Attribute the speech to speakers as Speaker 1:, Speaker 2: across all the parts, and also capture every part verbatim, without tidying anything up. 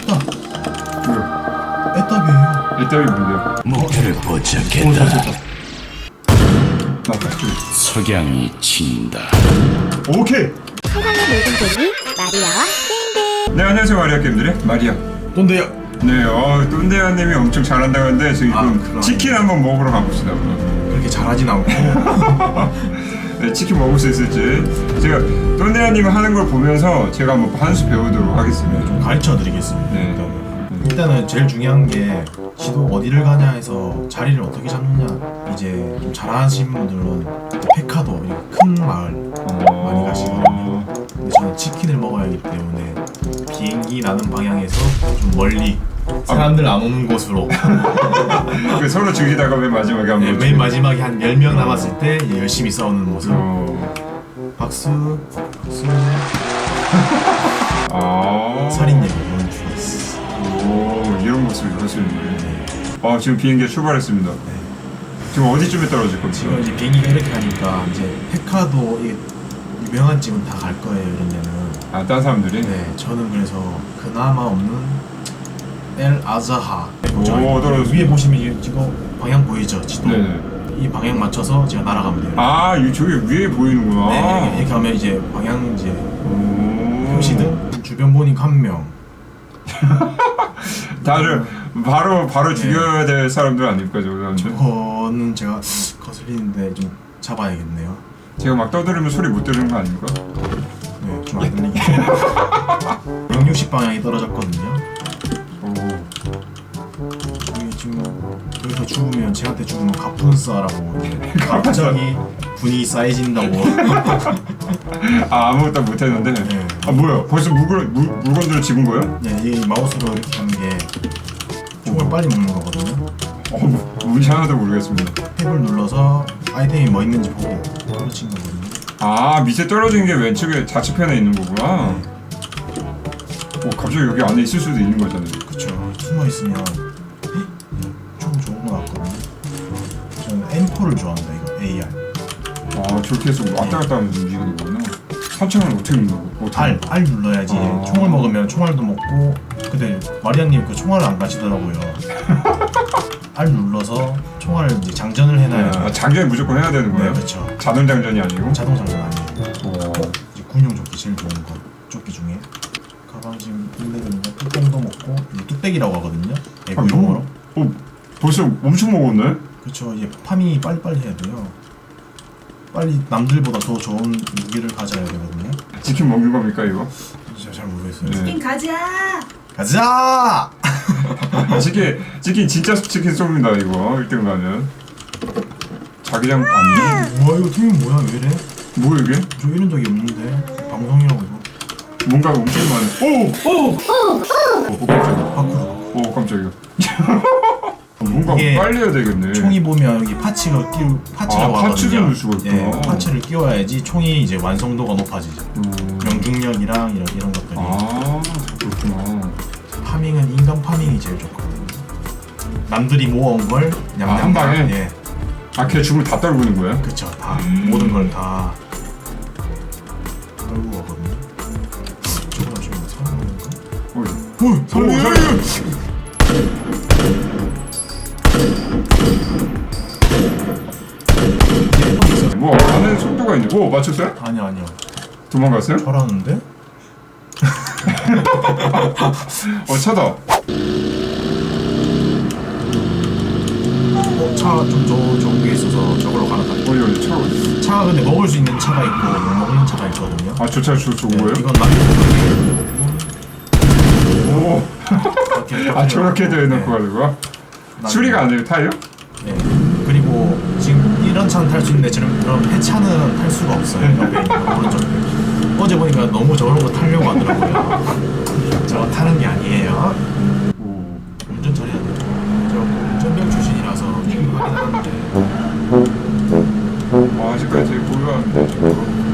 Speaker 1: 애답.
Speaker 2: 뭐야?
Speaker 1: 애답이에요.
Speaker 2: 애답이 뭔데요?
Speaker 3: 목표를
Speaker 2: 오,
Speaker 3: 포착했다.
Speaker 2: 잘 됐다. 나왔다.
Speaker 3: 석양이 친다.
Speaker 2: 오케이.
Speaker 4: 세상의 모든 재미 마리아와 땡땡.
Speaker 2: 네, 안녕하세요. 마리아 게임들의 마리아.
Speaker 1: 뭔데요?
Speaker 2: 네, 어, 똠대아님이 엄청 잘한다고 하는데 지금
Speaker 1: 아, 그럼.
Speaker 2: 치킨 한번 먹으러 가봅시다. 그럼.
Speaker 1: 그렇게 잘하진 않고.
Speaker 2: 네, 치킨 먹을 수 있을지 제가 똠대아님 하는 걸 보면서 제가 한번 한 수 배우도록 하겠습니다.
Speaker 1: 좀 가르쳐 드리겠습니다.
Speaker 2: 네.
Speaker 1: 일단은. 일단은 제일 중요한 게 지도 어디를 가냐 해서 자리를 어떻게 잡느냐. 이제 좀 잘하시는 분들은 페카도 이렇게 큰 마을
Speaker 2: 어...
Speaker 1: 많이 가시거든요. 근데 저는 치킨을 먹어야 하기 때문에 비행기 나는 방향에서 좀 멀리 사람들 안 오는 곳으로
Speaker 2: 그 서로 죽이다가 맨 마지막에 한번
Speaker 1: 네, 맨 마지막에 한 열 명 남았을 때 이제 열심히 싸우는 모습.
Speaker 2: 어...
Speaker 1: 박수 박수
Speaker 2: 아...
Speaker 1: 살인예고 이런 죽었어.
Speaker 2: 오, 이런 모습을 볼 수 있네. 아, 지금 비행기가 출발했습니다. 지금 어디쯤에 떨어질 겁니까?
Speaker 1: 지금 이제 비행기가 이렇게 하니까 이제 페카도 이게 유명한 집은 다 갈 거예요 이런 데는.
Speaker 2: 아, 딴 사람들이?
Speaker 1: 네, 저는 그래서 그나마 없는 엘 아자하.
Speaker 2: 오, 떨어졌습니다.
Speaker 1: 위에 보시면 이게 지금 방향 보이죠? 지도.
Speaker 2: 네네.
Speaker 1: 이 방향 맞춰서 제가 날아가면 돼요.
Speaker 2: 아, 이 저기 위에 보이는구나.
Speaker 1: 네, 이렇게, 이렇게 하면 이제 방향 이제
Speaker 2: 오...
Speaker 1: 표시등 주변 보니까 한 명.
Speaker 2: 다들 바로 바로
Speaker 1: 네.
Speaker 2: 죽여야 될 사람들 아닙니까, 저 사람들?
Speaker 1: 저는 제가 거슬리는데 좀 잡아야겠네요.
Speaker 2: 제가 막 떠들으면 소리 못 들은 거 아닙니까?
Speaker 1: 네, 좀 안 들리게. 백육십 방향이 떨어졌거든요.
Speaker 2: 오.
Speaker 1: 저기 지금 여기서 죽으면 쟤한테 죽으면 가푼스라고 갑자기 분위기 쌓여진다고.
Speaker 2: 아, 아무것도 못 했는데.
Speaker 1: 네.
Speaker 2: 아, 뭐야? 벌써 물건 물, 물건들을 집은 거예요?
Speaker 1: 네, 이 마우스로 이렇게 하는 게 총을 빨리 먹는 거거든요.
Speaker 2: 어, 뭐, 뭔지 하나도 모르겠습니다.
Speaker 1: 탭을 눌러서 아이템이 뭐 있는지 보고 떨어진 거거든요.
Speaker 2: 아, 밑에 떨어진 게 왼쪽에 좌측편에 있는 거구나.
Speaker 1: 네.
Speaker 2: 오, 갑자기 여기 안에 있을 수도 있는 거잖아요.
Speaker 1: 그쵸. 숨어 있으면 총 좋은 거 같거든요. 저는 엠 포를 좋아한다 이거 에이알.
Speaker 2: 아, 저렇게 해서 왔다 갔다 하면서 움직이는 거구나. 사창을 어떻게 눌러고? 어떻게
Speaker 1: R, R 눌러야지.
Speaker 2: 아.
Speaker 1: 총을 먹으면 총알도 먹고. 근데 마리아님 그 총알을 안 가시더라고요. R 눌러서 총알을 이제 장전을 해놔야.
Speaker 2: 아, 장전이 무조건 해야 되는 거예요?
Speaker 1: 네, 그렇죠.
Speaker 2: 자동 장전이 아니고?
Speaker 1: 자동 장전 아니에요.
Speaker 2: 오.
Speaker 1: 이제 군용 조끼 제일 좋은 거. 조끼 중에 가방 지금 빌레드니까 뚜껑도 먹고 이제 뚝배기라고 하거든요.
Speaker 2: 아,
Speaker 1: 애국 용어로.
Speaker 2: 어, 벌써 엄청 먹었네?
Speaker 1: 그렇죠. 이제 파밍이 빨리빨리 해야 돼요. 빨리 남들보다 더 좋은 무기를 가져야 되거든요.
Speaker 2: 치킨 먹는 겁니까, 이거?
Speaker 1: 진짜 잘 모르겠어요.
Speaker 2: 네.
Speaker 4: 치킨 가자.
Speaker 1: 가자!
Speaker 2: 치킨, 치킨 진짜 치킨 쏩니다, 이거. 일 등 가면. 자기장 아니에요?
Speaker 1: 우와 이거 팀이 뭐야 왜 이래?
Speaker 2: 뭐야, 이게?
Speaker 1: 저 이런 적이 없는데 방송이라고 이거.
Speaker 2: 뭔가 엄청 많네. 오! 오! 오! 오, 깜짝이야.
Speaker 1: 밖으로.
Speaker 2: 오, 깜짝이야. 뭔가
Speaker 1: 이게
Speaker 2: 빨리 해야 되겠네.
Speaker 1: 총이 보면 여기 파츠가 끼우 파츠라고
Speaker 2: 아,
Speaker 1: 하거든요.
Speaker 2: 파츠를 넣을 수가 있구나.
Speaker 1: 예, 파츠를 끼워야지 총이 이제 완성도가 높아지죠.
Speaker 2: 음.
Speaker 1: 명중력이랑 이런 이런 것들이.
Speaker 2: 아, 그렇구나.
Speaker 1: 파밍은 인간 파밍이 제일 좋거든요. 남들이 모아온 걸 냠냠.
Speaker 2: 아, 한 방에?
Speaker 1: 예,
Speaker 2: 아, 걔 죽을 다 떨구는 거야?
Speaker 1: 그쵸. 다 모든 걸 다 떨고 가거든요. 저거 지금 사람인가?
Speaker 2: 어이.
Speaker 1: 어, 사람이야!
Speaker 2: 사람이야! 뭐 가는 속도가 있네. 오, 맞췄어요?
Speaker 1: 아니요 아니요.
Speaker 2: 도망갔어요?
Speaker 1: 잘하는데?
Speaker 2: 어, 차다.
Speaker 1: 어, 차 좀 저 좋은 게 있어서 저걸로 갈아타.
Speaker 2: 어디 어디 차가 어디?
Speaker 1: 차가 근데 먹을 수 있는 차가 있고 못 먹는 차가 있거든요.
Speaker 2: 아, 저 차 저 좋은 거예요?
Speaker 1: 이건 남는
Speaker 2: 오.
Speaker 1: 거고.
Speaker 2: 아, 저렇게도 해놓고 가지고. 수리가 안 돼요, 타요?
Speaker 1: 네. 그리고 지금 이런 차는 탈 수 있는데 저런 그런 폐차는 탈 수가 없어요. 옆에 있는 오른쪽에. 어제 보니까 너무 저런 거 타려고 하더라고요. 저거 타는 게 아니에요.
Speaker 2: 오.
Speaker 1: 운전 잘해야 돼요. 저 운전병 출신이라서 좀 하긴 하는데
Speaker 2: 아, 아직까지 되게 고요한데, 저거.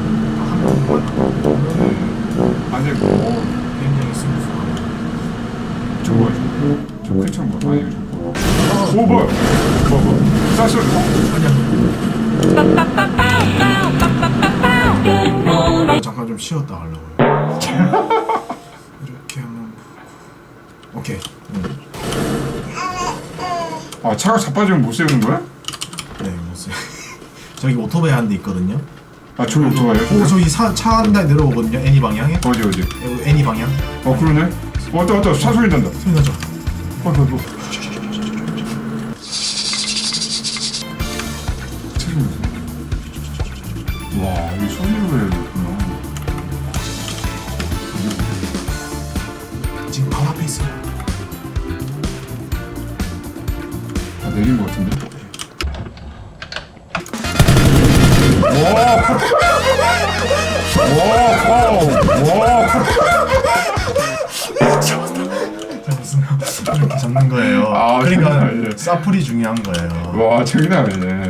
Speaker 2: 아니, 뭐,
Speaker 1: 굉장히 스무스하고.
Speaker 2: 저거, 저 큰창 뭐, 아니, 저거. 오, 뭐야? 뭐, 뭐, 쌀소리.
Speaker 1: 아니야. 잠깐 좀 쉬었다 하려고요. 이렇게 하면 오케이. 응.
Speaker 2: 아 차가 자빠지면 못 세우는 거야?
Speaker 1: 네, 무슨 저기 오토바이 한 대 있거든요.
Speaker 2: 아 저기 오토바이야?
Speaker 1: 오, 저기 차 한 대 내려오거든요. 애니 방향에.
Speaker 2: 어디 어디?
Speaker 1: 여기 애니 방향.
Speaker 2: 어 그러네. 어, 왔다 왔다 차 소리 난다.
Speaker 1: 소리 나죠?
Speaker 2: 어, 어, 어. 와, 이 소리로 해야 되구나.
Speaker 1: 지금 바로 앞에 있어요.
Speaker 2: 아, 내린 것 같은데?
Speaker 1: 무슨 이렇게 잡는 거예요.
Speaker 2: 아, 장난
Speaker 1: 그러니까
Speaker 2: 아니네.
Speaker 1: 사플이 중요한 거예요.
Speaker 2: 와, 장난 아니네.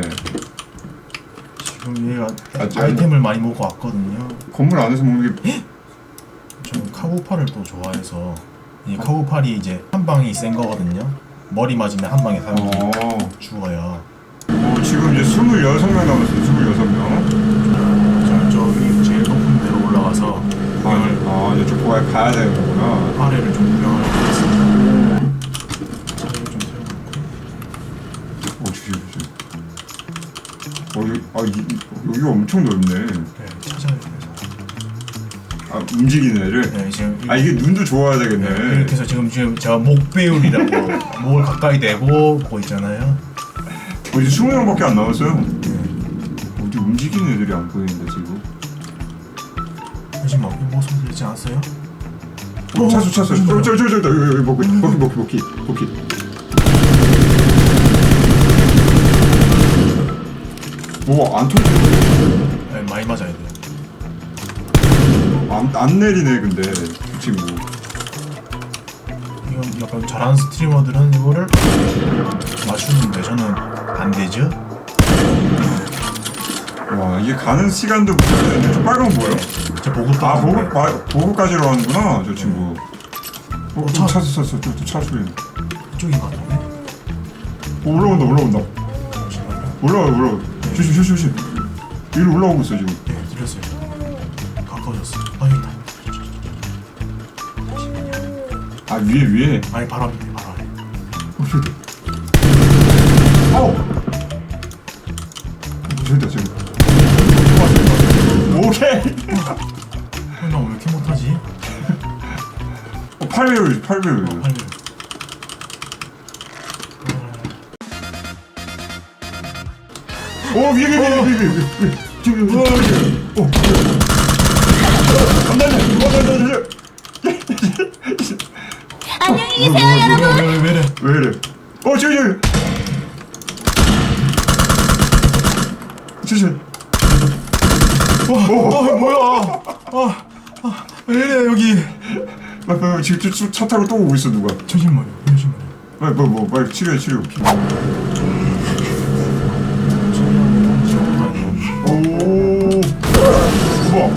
Speaker 1: 지금 얘가
Speaker 2: 아, 저-
Speaker 1: 아이템을 많이 먹고 왔거든요.
Speaker 2: 건물 안에서 먹는 게
Speaker 1: 저는 카구팔을 또 좋아해서 이 카구팔이 이제 한 방이 센 거거든요. 머리 맞으면 한 방에 사람이
Speaker 2: 어.
Speaker 1: 죽어요.
Speaker 2: 어, 지금 이제 스물여섯 명 남았어요. 스물여섯 명.
Speaker 1: 저는 저기 제일 높은 데로 올라가서 구경을
Speaker 2: 아, 이제 쪽 가야 가야 되는 거구나.
Speaker 1: 아래를 좀 구경을 하겠습니다. 차를 좀 세워놓고.
Speaker 2: 어, 주시, 주시. 어, 여기, 아, 이, 여기가 엄청 넓네.
Speaker 1: 네, 찾아야 돼서.
Speaker 2: 아, 움직이는 애를.
Speaker 1: 네, 지금
Speaker 2: 아, 이게 눈도 좋아야
Speaker 1: 네,
Speaker 2: 되겠네.
Speaker 1: 이렇게 해서 지금 지금 제가 목배율이라고 목을 가까이 대고 보고 있잖아요.
Speaker 2: 어, 이제 스무 명밖에 안 남았어요.
Speaker 1: 네.
Speaker 2: 어디 움직이는 애들이 안 보이는데 지금.
Speaker 1: 요즘 뭐 모습 들리지 않았어요?
Speaker 2: 어, 차수 차수. 어, 저기 저기 저기 여기 여기 먹기 먹기 먹기 먹기 먹기. 오안 터지.
Speaker 1: 네, 많이 맞아야 돼요.
Speaker 2: 안안 내리네 근데 이 친구.
Speaker 1: 이건 약간 잘하는 스트리머들은 이거를 맞추는데 저는 안 되죠?
Speaker 2: 와 이게 가는 시간도 문제네. 저 빨간 거 뭐예요?
Speaker 1: 저 보급
Speaker 2: 아 보급
Speaker 1: 보급
Speaker 2: 마- 보급까지로 하는구나 저 친구. 어,
Speaker 1: 차-
Speaker 2: 차 차수 차수 또차 소리.
Speaker 1: 이쪽인 것 같은데?
Speaker 2: 어, 올라온다 올라온다.
Speaker 1: 잠시만요.
Speaker 2: 올라와 올라와. 조심 조심 조심. 위로 올라오고 있어 지금.
Speaker 1: 네, 들렸어요. 가까워졌어. 아, 여기 있다.
Speaker 2: 아 위에 위에.
Speaker 1: 아니, 바로 앞에, 바로 아래.
Speaker 2: 어 저기. 아우. 저기다 저기. 오케이.
Speaker 1: 어, 나왜 이렇게 못하지?
Speaker 2: 어, 팔 배율 팔 배율.
Speaker 1: 빨리.
Speaker 2: 오 위에 위에 위에 위에 위에. 저기 어 저기. 어. 안돼 안돼. 안돼 안돼.
Speaker 4: 안녕히 계세요, 여러분.
Speaker 1: 왜, 왜, 왜 이래?
Speaker 2: 왜 이래? 어 저기 저기. 저기.
Speaker 1: 와, 어, 뭐야? 아, 아, 왜 이래, 여기.
Speaker 2: 빨리 빨리 지금 차- 차 타고 또 오고 있어 누가?
Speaker 1: 잠시만요, 잠시만요.
Speaker 2: 빨리 뭐 뭐 빨리 치료해 치료. 오. 우와.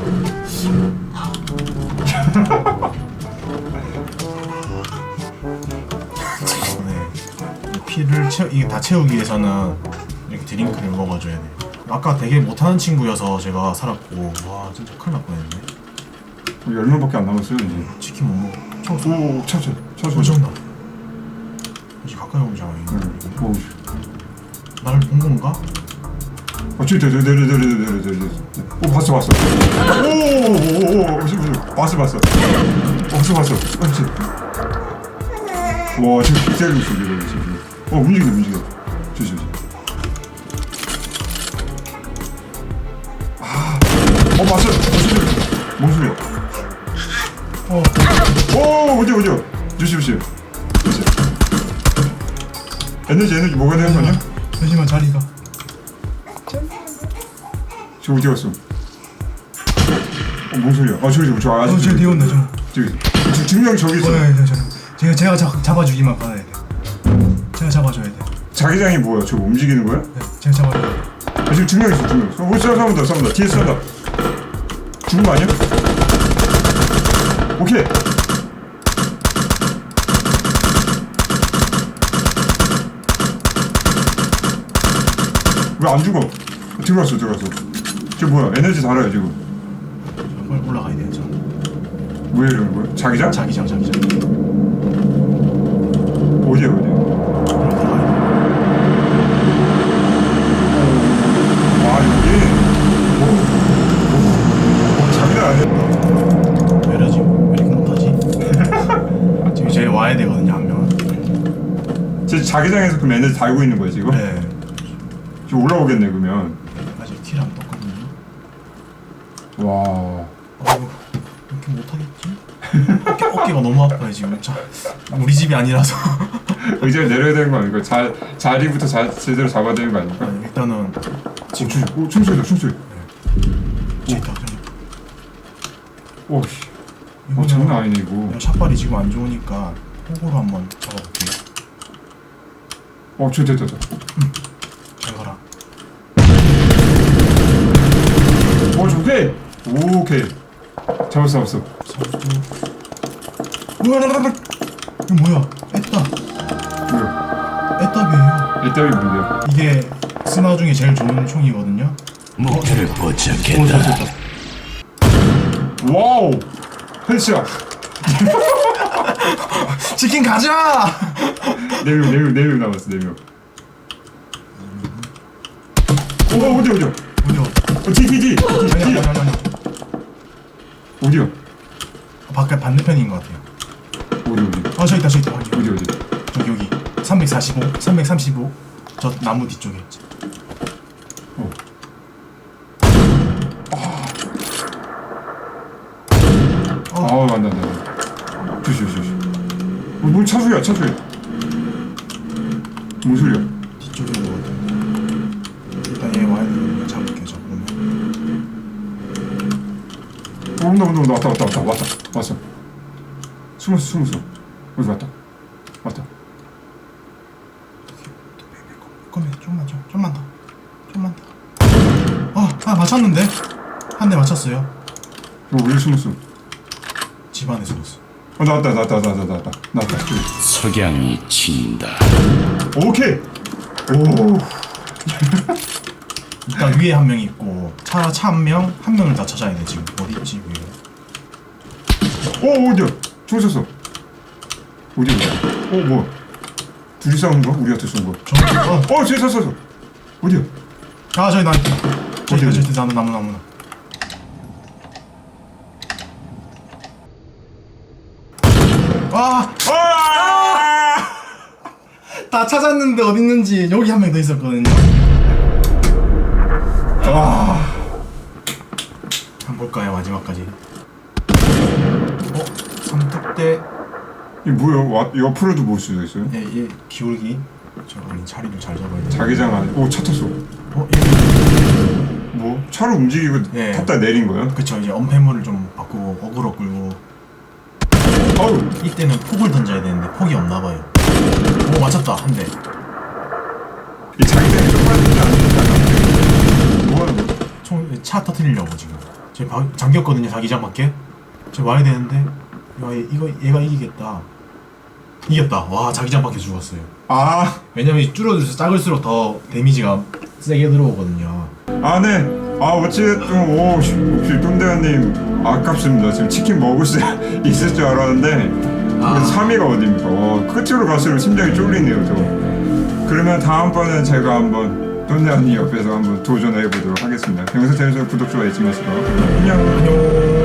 Speaker 1: 네. 이 피를 채 이게 다 채우기 위해서는 이렇게 드링크를 먹어줘야 돼. 아까 되게 못하는 친구여서 제가 살았고, 와 진짜 큰일 날 뻔했네.
Speaker 2: 열 명밖에 안 남았어요 이제.
Speaker 1: 치킨 못 먹어. 저, 저,
Speaker 2: 오 차차
Speaker 1: 저
Speaker 2: 차차.
Speaker 1: 저온다. 이제 가까이 오잖아. 이거.
Speaker 2: 오.
Speaker 1: 나를 본 건가?
Speaker 2: 어 저기 내려 내려 내려 내려 내려 내려. 오 봤어 봤어. 오오오오 봤어 봤어. 봤어 봤어. 그렇지. 와 지금 기다리고 있어 지금 지금. 어 움직여 움직여. 조심. 아. 어 봤어. 뭔 소리야?
Speaker 1: 어.
Speaker 2: 오 어디 어디야? 조심 조심. 조심. 에너지 에너지 뭐가 되는 거냐?
Speaker 1: 잠시만 자리가.
Speaker 2: 저 어디 갔어? 어, 뭔 소리야? 아 저기 저기 저 아직
Speaker 1: 어, 저기 뒤에 온다, 저.
Speaker 2: 저기 저 증명 저기 있어.
Speaker 1: 네, 네, 저, 제가 제가 잡, 잡아주기만 받아야 돼. 제가 잡아줘야 돼.
Speaker 2: 자기장이 뭐야? 저거 움직이는 거야?
Speaker 1: 네, 제가 잡아줘야 돼.
Speaker 2: 아, 지금 증명 있어 증명. 어, 뭐 싸운다 싸운다 뒤에 싸운다. 죽은 거 아니야? 오케이. 왜 안 죽어? 들어갔어 들어갔어. 저 뭐야? 에너지 달아요 지금.
Speaker 1: 빨리 올라가야 돼요, 저.
Speaker 2: 왜 이러는 거야? 자기장?
Speaker 1: 자기장, 자기장. 와야 되거든요 한 명은.
Speaker 2: 제 자기장에서 그럼 에너지 달고 있는 거야 지금?
Speaker 1: 네.
Speaker 2: 지금 올라오겠네 그러면.
Speaker 1: 아직 킬 안 떴거든요.
Speaker 2: 와.
Speaker 1: 어우 이렇게 못하겠지? 어깨, 어깨가 너무 아파요 지금. 자, 우리 집이 아니라서.
Speaker 2: 의자를 내려야 되는 거 아닙니까? 자, 자리부터 자, 제대로 잡아야 되는 거 아닙니까?
Speaker 1: 네, 일단은
Speaker 2: 지금 오, 춤소리다 춤소리.
Speaker 1: 저 있다. 저기.
Speaker 2: 오, 씨. 어, 장난 아니네 이거.
Speaker 1: 그냥 샷발이 지금 안 좋으니까 호구로 한번 잡아볼게요.
Speaker 2: 어, 저 됐다, 됐다.
Speaker 1: 잘 가라.
Speaker 2: 어, 오케이. 오케이. 잡았어, 잡았어.
Speaker 1: 으아라라라. 이거 뭐야? 에따.
Speaker 2: 뭐야?
Speaker 1: 에따비에요.
Speaker 2: 이따위 뭔데요?
Speaker 1: 이게 스나 중에 제일 좋은 총이거든요.
Speaker 3: 목표를
Speaker 2: 오, 저
Speaker 3: 포착했다.
Speaker 2: 됐다. 와우. 헬스야.
Speaker 1: 치킨 가자!
Speaker 2: 네 명, 네 명, 네 명 남았어, 네 명. 오, 어디, 어디야?
Speaker 1: 어디요?
Speaker 2: 어, D, D, D, D,
Speaker 1: 아니 아니
Speaker 2: D.
Speaker 1: 아니 아니.
Speaker 2: 어디야?
Speaker 1: 바깥 반대편인 것 같아요.
Speaker 2: 어디, 어디?
Speaker 1: 아 저기 있다 저기 있다 저기.
Speaker 2: 어디, 어디?
Speaker 1: 저기 여기 삼백사십오, 삼백삼십오. 저 나무 뒤쪽에.
Speaker 2: 어.
Speaker 1: 어.
Speaker 2: 아, 맞다, 맞다. 조심, 조심, 조심. 어, 뭘 차소리야, 차소리. 뭔 소리야?
Speaker 1: 뒤쪽에 있는 것 같아요. 일단 얘 와야 되는 거 잡을게요 저 그러면.
Speaker 2: 어, 온다, 온다, 온다. 왔다, 왔다, 왔다, 왔다. 왔어. 숨었어, 숨었어. 어디 왔다. 왔다.
Speaker 1: 그러면 좀만 좀 좀만 더 좀만 더. 아, 아 맞췄는데 한 대 맞췄어요.
Speaker 2: 너 왜 숨었어?
Speaker 1: 집 안에 숨었어.
Speaker 2: 어, 나왔다, 나왔다, 나왔다, 나왔다. 나왔다.
Speaker 3: 석양이 친다.
Speaker 2: 오케이. 오.
Speaker 1: 일단 위에 한 명 있고 차 차 한 명, 한 명을 다 찾아야 돼 지금. 어디 있지 위에?
Speaker 2: 오, 어디야? 총 쐈어. 어디야? 어, 뭐? 둘이 싸운 거? 우리한테 쏜 거?
Speaker 1: 저 어,
Speaker 2: 어, 저기 쐈어, 쐈어. 어디야?
Speaker 1: 아 저기 나 있다. 저기
Speaker 2: 어디,
Speaker 1: 저기 나무 나무 나무. 아,
Speaker 2: 아!
Speaker 1: 다 찾았는데 어디 있는지. 여기 한 명 더 있었거든요.
Speaker 2: 아.
Speaker 1: 한번 볼까요 마지막까지. 어, 삼뚝대.
Speaker 2: 이 뭐야? 와, 옆으로도 볼 수도 있어요?
Speaker 1: 예, 얘 기울기. 저거는 자리를 잘 잡아야 돼.
Speaker 2: 자기장 안에. 오, 차 탔어.
Speaker 1: 어, 얘.
Speaker 2: 뭐? 차를 움직이고
Speaker 1: 예.
Speaker 2: 탔다 내린 거야?
Speaker 1: 그쵸, 이제 엄폐물을 좀 바꾸고 어그로 끌고.
Speaker 2: 아우.
Speaker 1: 이때는 폭을 던져야 되는데 폭이 없나 봐요. 오, 맞췄다 한 대.
Speaker 2: 이 자기장이 좀 빠지지 않는다. 뭐 하는 거야?
Speaker 1: 총 차 터트리려고 지금. 제 바, 잠겼거든요 자기장 밖에. 저 와야 되는데. 야, 얘, 이거 얘가 이기겠다. 이겼다. 와, 자기장 밖에 죽었어요.
Speaker 2: 아.
Speaker 1: 왜냐면 줄어들수록 작을수록 더 데미지가 세게 들어오거든요.
Speaker 2: 아, 네. 아, 어찌됐든, 오, 씨, 혹시 똠대현님, 아깝습니다. 지금 치킨 먹을 수 있을 줄 알았는데,
Speaker 1: 아.
Speaker 2: 삼 위가 어딥니까? 와, 끝으로 갈수록 심장이 쫄리네요, 저. 그러면 다음번엔 제가 한번 똠대현님 옆에서 한번 도전해 보도록 하겠습니다. 영상 재밌으면 구독, 좋아요 잊지 마시고. 안녕.
Speaker 1: 안녕.